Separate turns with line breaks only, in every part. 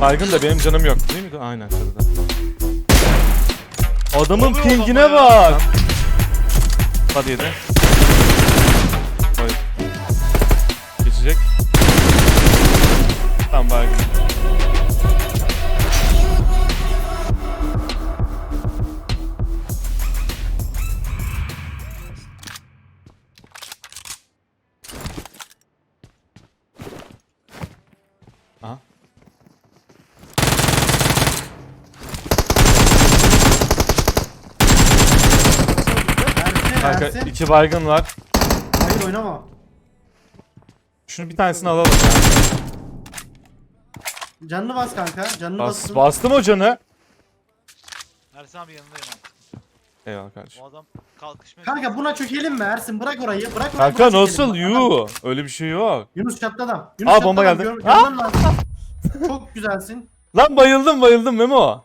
Baygın da benim canım yok değil mi? Aynen şurada. Adamın
Oluyor
pingine
adama ya.
bak. Hadi yedi. Hayır. Geçecek. Tamam baygın. Aha. Kanka
Ersin.
2 baygın var.
Hayır oynama.
Şunu bir tanesini alalım ya.
Canını bas kanka. Canını bastım.
Bastım o canı.
Ersin abi yanındayım abi.
Eyvallah kardeşim.
O adam kalkışmaya
Kanka buna çökelim mi Ersin? Bırak orayı. Bırak orayı.
Kanka
buna çökelim.
nasıl?
Bak,
Yuu. Öyle bir şey yok.
Yunus çatlı adam.
Aa, bomba
çatlı adam.
geldi.
Görmen lazım. Çok güzelsin.
Lan bayıldım Memo.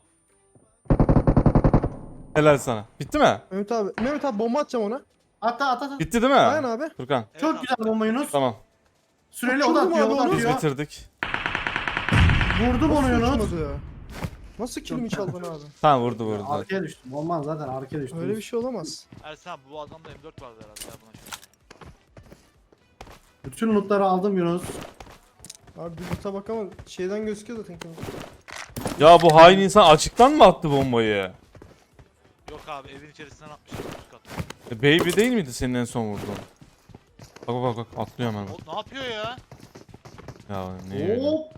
Helal sana. Bitti mi?
Mehmet abi bomba atacağım ona.
At.
Bitti değil mi?
Aynen abi.
Furkan.
Evet
Çok
abi.
güzel bomba Yunus.
Tamam.
Süreli o da
Uçurdum
atıyor.
abi
O da
onu.
Biz
atıyor.
bitirdik.
Vurdum onu Yunus.
Uçmadı. Nasıl kilimi çaldın abi?
Tamam vurdu zaten.
Arkaya düştüm. Olmaz zaten arkaya düştüm.
Öyle bir şey olamaz.
Ersin abi bu adamda M4 vardı herhalde ya buna şöyle.
Bütün lootları aldım Yunus.
Abi bir loot'a bak ama şeyden gözüküyor zaten.
Ya bu hain insan açıktan mı attı bombayı?
Yok abi evin içerisinden atmışlar üst kat.
Baby değil miydi senin en son vurduğun? Bak atlıyor hemen.
O ne yapıyor ya?
Ya ne öyle?
Hop.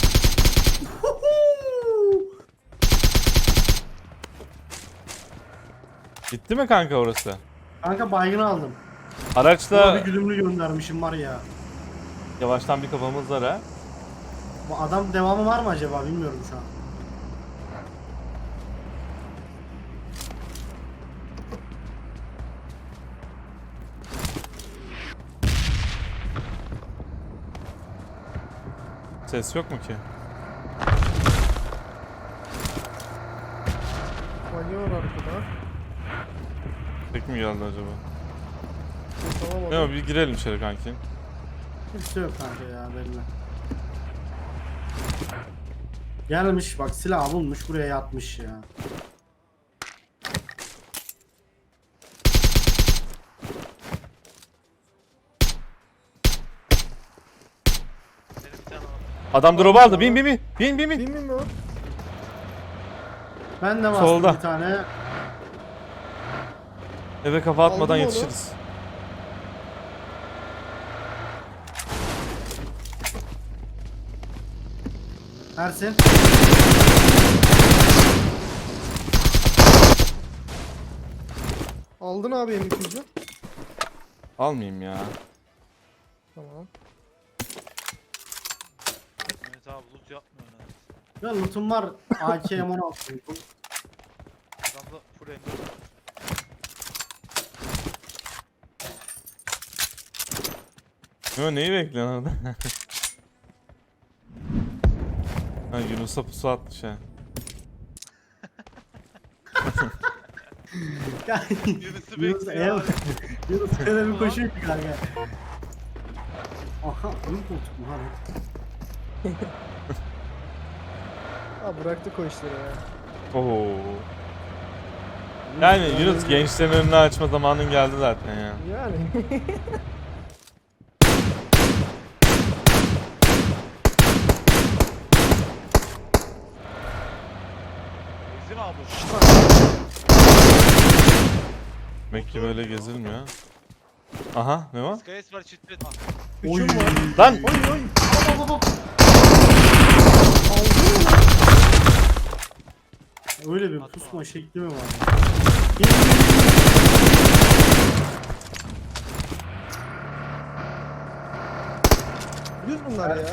Gitti mi kanka orası?
Kanka baygını aldım. Buna bir
Araçla
güdümlü göndermişim var ya.
yavaştan bir kafamız var ha.
Bu adam devamı var mı acaba bilmiyorum şu an.
Ses yok mu ki?
Magi var arkada.
Tek mi geldi acaba?
Tamam
Ne
abi.
o bir girelim içeri kanki.
Hiç şey yok kanka ya belli. Gelmiş bak silah bulmuş buraya yatmış ya.
Senin bir tane var.
Adam drop aldı. Bin.
Bilmiyorum mi o?
Ben de bastım
Solda.
bir tane.
Eve kafa atmadan
Aldım onu.
yetişiriz.
Ersin.
Aldın abi M200'ü.
Almayayım ya.
Tamam.
Mehmet abi loot yapmıyor neredeyse.
Ya lootum var. AK M16 lootum.
Adamda full M4 var.
Yo neyi bekliyorsun orada? Ha Yunus'a pusu atmış ha.
Ya,
Yunus'u
Yunus
bekliyor abi.
Yunus öyle bir koşuyor ki kanka. Aha ön koltuk mu lan?
Abi bıraktık o işleri ya.
Oo. Yani Yunus gençlerin önünü açma zamanın geldi zaten ya.
Yani.
Ezin abi.
Demek ki böyle gezilmiyor. Aha ne var?
Skyes var çift et.
Oy.
Üçüm var.
Lan!
Oy oy.
Hop, hop, hop.
Aldın mı lan?
Öyle bir
Atma.
pusma şekli mi var?
Yüz bunlar ya.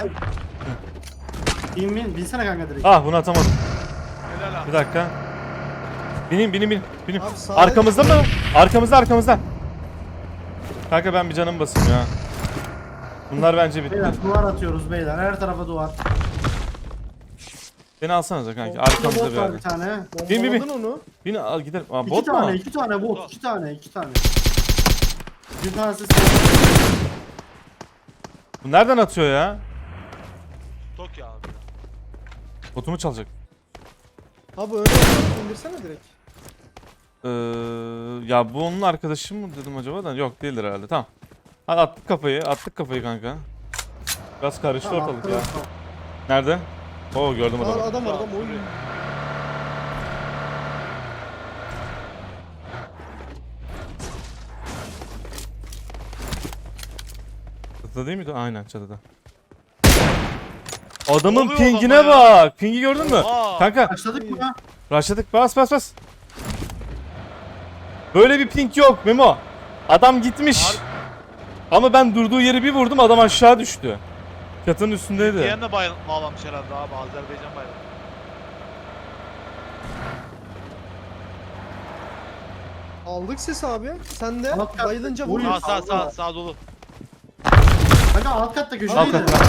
Binsene kanka direkt.
Ah bunu atamadım.
Helal abi.
Bir dakika. Binin.
Abi sağ-
Arkamızda mı? Arkamızda. Kanka ben bir canım basayım ya. Bunlar bence bitti.
Beyler duvar atıyoruz beyler. Her tarafa duvar.
Beni alsanıza kanki.
Burada
Arkamızda
bot
bir
var
yerde.
bir tane.
Bin.
Bombaladın onu.
Bin al gidelim. Aa,
İki
bot
tane,
mu?
iki tane bot.
Bot.
İki tane. Bir tanesi sen.
Bu nereden atıyor ya?
Tokyo abi.
Botumu çalacak.
Abi öyle yapalım, indirsene direkt.
Ya bu onun arkadaşı mı dedim acaba da yok değildir herhalde. Tamam. Hadi attık kafayı kanka. Biraz karıştı
Tamam,
ortalık ya.
tamam.
Nerede? Oo gördüm
Aa,
adamı.
adam var adam oyun.
Çatıda değil miydi? Aynen çatıda. Adamın
oluyor
pingine
adama ya?
bak. Pingi gördün mü?
Oha.
Kanka
Başladık mı?
rushladık. Bas. Böyle bir ping yok Memo. Adam gitmiş.
Harbi.
Ama ben durduğu yeri bir vurdum adam aşağı düştü. Çatının üstündeydi.
Diğerine de bağlamış herhalde abi. Azerbaycan bayrağı.
Aldık ses abi. Sen de
Alt kat-
bayılınca
Oy.
vuruyor.
Sağ dolu.
Kanka alt katta
Al
köşedeydi.
kanka.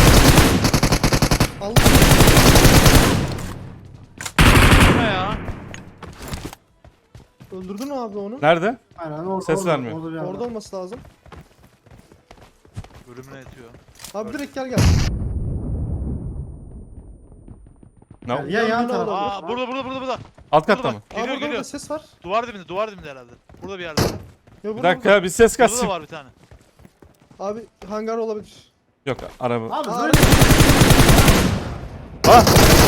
Aldık.
Bu ne ya?
Öldürdün mü abi onu?
Nerede?
Aynen orada.
Ses vermiyor.
Orada, bir yerde.
Orada olması lazım.
Ölümüne yatıyor.
Abi direkt gel.
No.
Ya yan
Yine
tarafa.
olabilir.
Aa burada.
Alt katta
Burada
mı?
bak. Geliyor
Abi
geliyor.
orada ses var.
Duvar dibinde herhalde. Burada bir yerde.
Ya
Bir
burada,
dakika bir ses
Burada da
kaçsın.
var bir tane.
burada. Abi hangar olabilir.
Yok araba.
Abi
Aa,
böyle
Ah!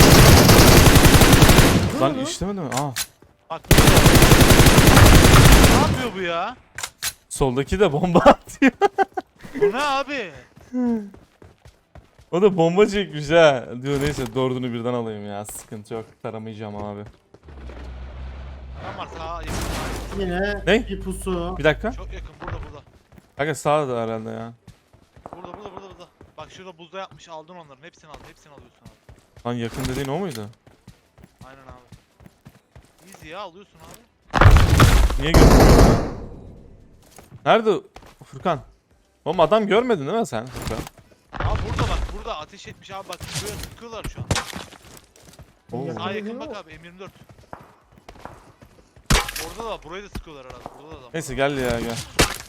Dur
Lan
lan.
işlemedi mi? Aa.
Bak burada da var. Ne yapıyor bu ya?
Soldaki de bomba atıyor.
Bu ne abi?
O da bomba çekmiş ha. Diyor neyse dördünü birden alayım ya. Sıkıntı yok. Taramayacağım abi.
Tam var sağa yakın.
yine
Ne?
bir pusu.
Bir dakika.
Çok yakın burada.
Kanka sağda herhalde ya.
Burada. Bak şurada buzda yapmış aldın onların. Hepsini alıyorsun abi.
Lan yakın dediğin o muydu?
Aynen abi. Easy ya alıyorsun abi.
Niye görmüyorsun? Nerede Furkan? Oğlum adam görmedin değil mi sen Furkan?
Abi burada ateş etmiş abi bak şuraya sıkıyorlar şu an.
Oo.
Yakın
Sağa
dediğin
yakın
o.
bak abi M24. Orada da burayı da sıkıyorlar herhalde. Burada da adam.
Neyse gel ya gel.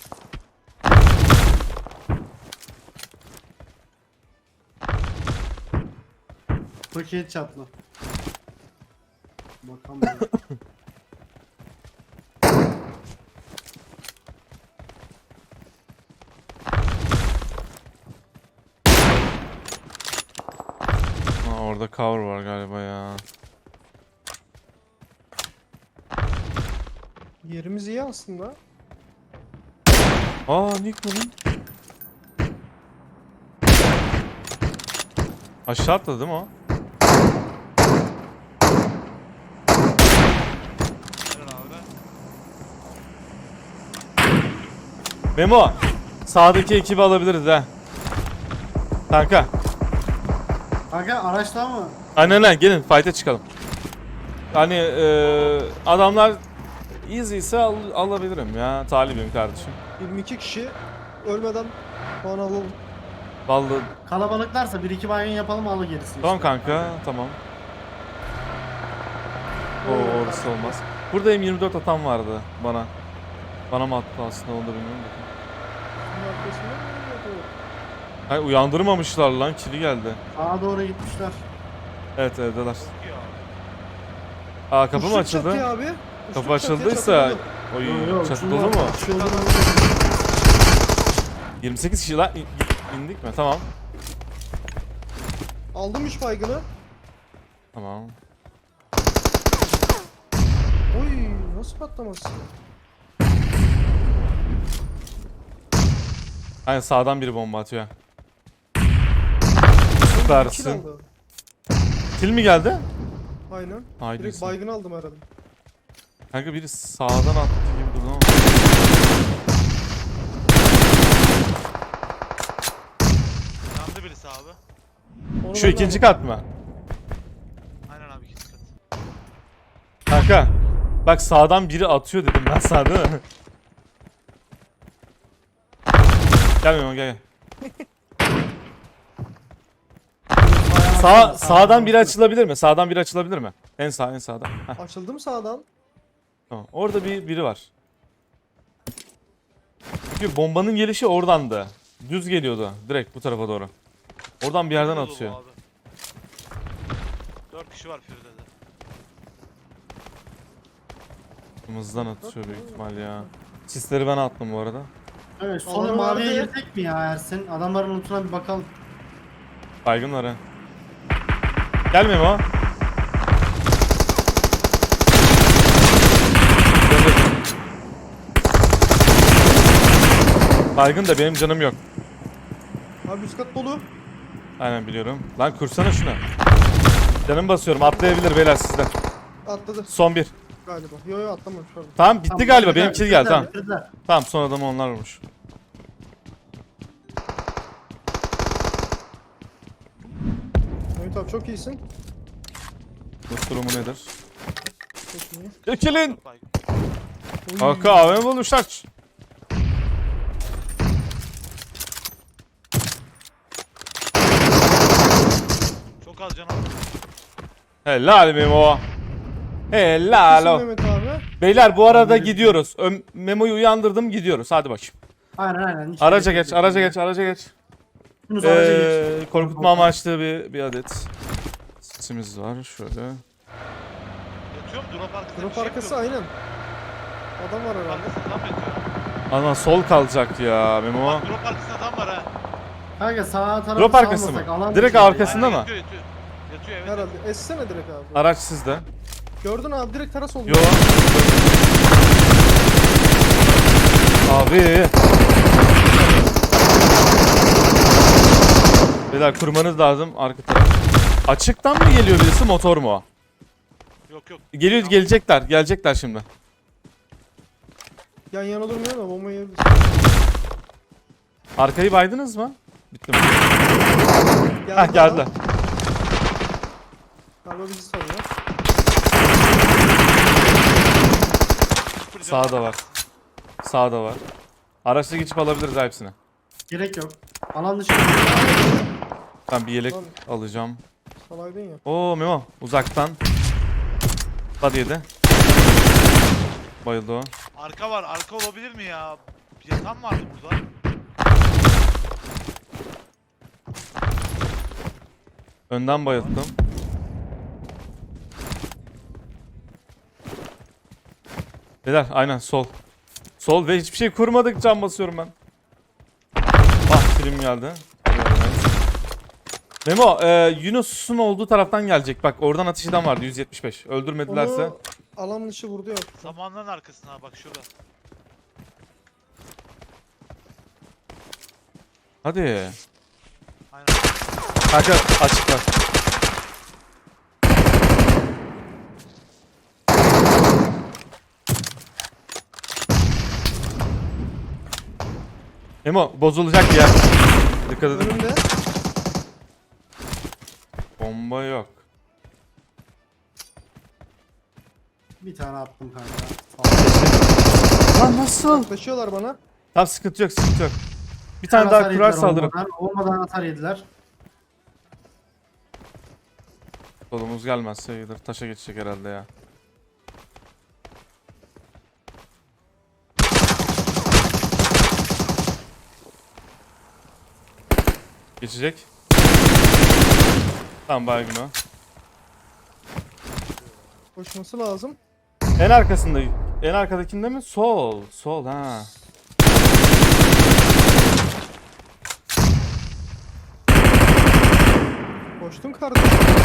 Paket çatlı. Bakalım.
Aa, orada cover var galiba ya.
Yerimiz iyi aslında.
Aa Nick mi lan? Aşağı atladı değil mi o?
Aynen abi.
Memo. Sağdaki ekibi alabiliriz ha. Kanka.
Kanka araçta mı?
Aynen gelin fight'e çıkalım. Hani adamlar easy ise alabilirim ya. Talibim kardeşim.
22 kişi ölmeden puan alalım.
Vallahi
Kalabalıklarsa 1-2 baygın yapalım al gerisi.
tamam
işte.
kanka tamam. O orası olmaz. Burada M24 atan vardı bana. Bana mı attı aslında onu da bilmiyorum da.
Bunun arkasında mı yapıyor?
Hayır uyandırmamışlar lan kili geldi.
Sağa doğru gitmişler.
Evet evdeler.
Çok iyi abi.
Aa kapı mı
Uçtuk
açıldı?
çatıya abi.
Kapı
Uçtuk çatıya,
açıldıysa
çatı
oy
Yo, yo,
çatı
şunlar-
dolu mu?
şunlar-
28 kişi lan indik mi? Tamam.
dolu. Aldım 3 baygını.
Tamam.
Oy nasıl patlaması?
Aynen sağdan biri bomba atıyor.
Kill
Süpersin.
aldı.
Kill mi geldi?
Aynen.
Haydi.
Direkt baygını aldım herhalde.
Kanka biri sağdan attı gibi durdu ama.
Yandı birisi abi.
Onu
Şu
ben de
ikinci
aldım.
kat mı?
Aynen abi ikinci kat.
Kanka. Bak sağdan biri atıyor dedim ben sana değil mi? Gel Memo gel. Sağdan biri açılabilir mi? Sağdan biri açılabilir mi? En sağdan. Heh,
Açıldım sağdan.
tamam. Orada biri var. Çünkü bombanın gelişi oradandı. Düz geliyordu direkt bu tarafa doğru. Oradan bir yerden
Burada dolu
atıyor.
abi. 4 kişi var Furi'de.
Hızdan atışıyor büyük ihtimal ya. Sisleri ben attım bu arada.
Evet sonra
Alanı
maviye
vardı.
girdik mi ya Ersin? Adamların lootuna bir bakalım.
Baygın var ha. Gelmiyor mu? Baygın da benim canım yok.
Abi üst kat dolu.
Aynen biliyorum. Lan kursana şunu. Canım basıyorum. Atlayabilir beyler sizden.
Atladı
Son bir.
galiba. Yo yo atlamamış pardon.
Tamam bitti
Tamam,
galiba.
bitirdiler,
Benim kill geldi. Tamam.
bitirdiler.
Tamam son adamı onlar vurmuş.
Mehmet abi çok iyisin.
Bu durumu nedir?
Çok iyi.
Dökülün.
Baygın.
Oy.
Kanka AVM bulmuşlar.
Çok az canım.
Helal Memo. Helal
İyisin
o.
Mehmet abi.
Beyler bu arada gidiyoruz. Memo'yu uyandırdım gidiyoruz. Hadi bakayım.
Aynen. Hiç
Araca
gerek
geç,
yok.
araca geç, araca geç.
Yunus araca geç.
Korkutma amaçlı bir adet sesimiz var. Şöyle.
Yatıyor mu? Drop arkasında
Drop
bir şey
arkası
yapıyor.
aynen. Adam var herhalde.
Arkasında tam yatıyor.
Ana sol kalacak ya Memo.
Bak drop arkasında tam var ha.
Kanka sağ tarafı
Drop arkası mı?
salmasak, alan
Direkt
dışı
arkasında
Aynen,
mı?
Yatıyor yatıyor. Yatıyor evet.
Herhalde. Essene direkt abi.
Araç sizde.
Gördün abi direkt taras oldu.
Yo. Abi. Beyler kurmanız lazım arka taraf. Açıktan mı geliyor birisi motor mu o?
Yok yok.
Geliyor gelecekler şimdi.
Yan yana durmuyor da bomba yiyebiliriz.
Arkayı baydınız mı? Bitti mi?
Geldi
Hah geldi.
Galiba bizi sanıyor.
Sıfır canım
Sağda var. Sağda var. Araçla geçip alabiliriz hepsini.
Gerek yok. Alan dışı.
Ben bir yelek
Lan.
alacağım.
Salaydın ya.
Oo Memo uzaktan. Hadi yedi. Bayıldı o.
Arka var. Arka olabilir mi ya? Yatan vardı burada.
Önden bayılttım. Beyler aynen sol. Sol ve hiçbir şey kurmadık, can basıyorum ben. Ah film geldi. Memo Yunus'un olduğu taraftan gelecek. Bak oradan atış eden vardı 175. Öldürmedilerse.
Onu alan dışı vurdu ya.
Samanların arkasına bak şurada.
Hadi.
Aynen.
Kanka açıklar. Memo bozulacak ya. Dikkat edin.
Önümde.
Bomba yok.
Bir tane attım kanka.
Lan nasıl?
Yaklaşıyorlar bana.
Tamam sıkıntı yok, sıkıntı yok. Bir tane daha kurar saldırıp.
Olmadan atar yediler.
Solumuz gelmezse iyidir. Taşa geçecek herhalde ya. Geçecek. Tamam baygın o.
Koşması lazım.
En arkasında. En arkadakinde mi? Sol. Sol ha.
Koştum kardeşim.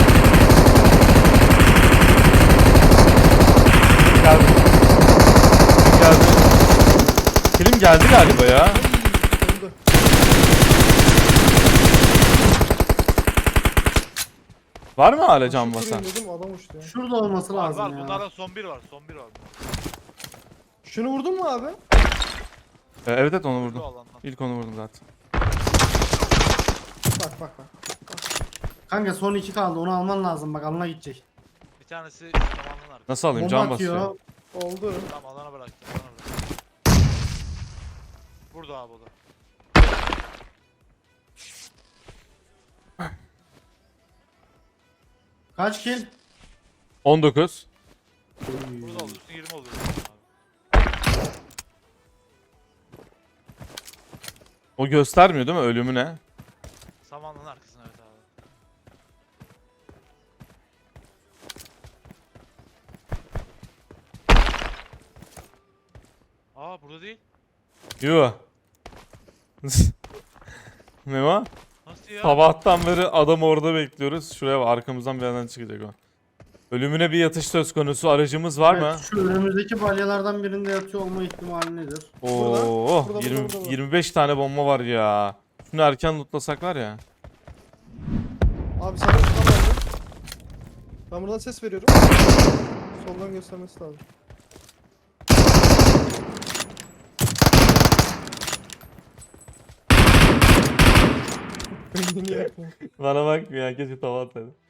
Geldi. Geldi. Film geldi galiba ya.
Öldü.
Var mı hala can
Koşup
basan?
durayım dedim adam uçtu ya.
Şurada olması
Var
lazım
var.
ya.
Bunlardan son bir var. Son bir var.
Şunu vurdun mu abi?
Evet evet onu
Bu
vurdum.
alandan.
İlk onu vurdum zaten.
Bak.
Kanka son 2 kaldı, onu alman lazım, bak alana gidecek.
Bir tanesi samanlığın arkasında.
Nasıl alayım?
Bomba
Can basıyor.
atıyor.
Oldu.
Tamam alana bıraktım. Alana bıraktım. Burada abi o da.
Kaç kill?
19.
Burada oluyorsun 20 oluyorsun abi.
O göstermiyor değil mi ölümü ne?
Samanlığın arkasına evet abi. Burada değil.
Yo. Ne var?
Nasıl ya?
Sabahtan beri adam orada bekliyoruz. Şuraya bak, arkamızdan bir yerden çıkacak o. Ölümüne bir yatış söz konusu. Aracımız var mı?
Evet, şu önümüzdeki balyalardan birinde yatıyor olma ihtimali nedir?
Oo,
Burada,
20
burada.
25 tane bomba var ya. Şunu erken lootlasak var ya.
Abi sana şuradan verdim. Ben buradan ses veriyorum. Soldan göstermesi lazım. Beynini yakma.
Bana bak ya, keşke tava atsaydım.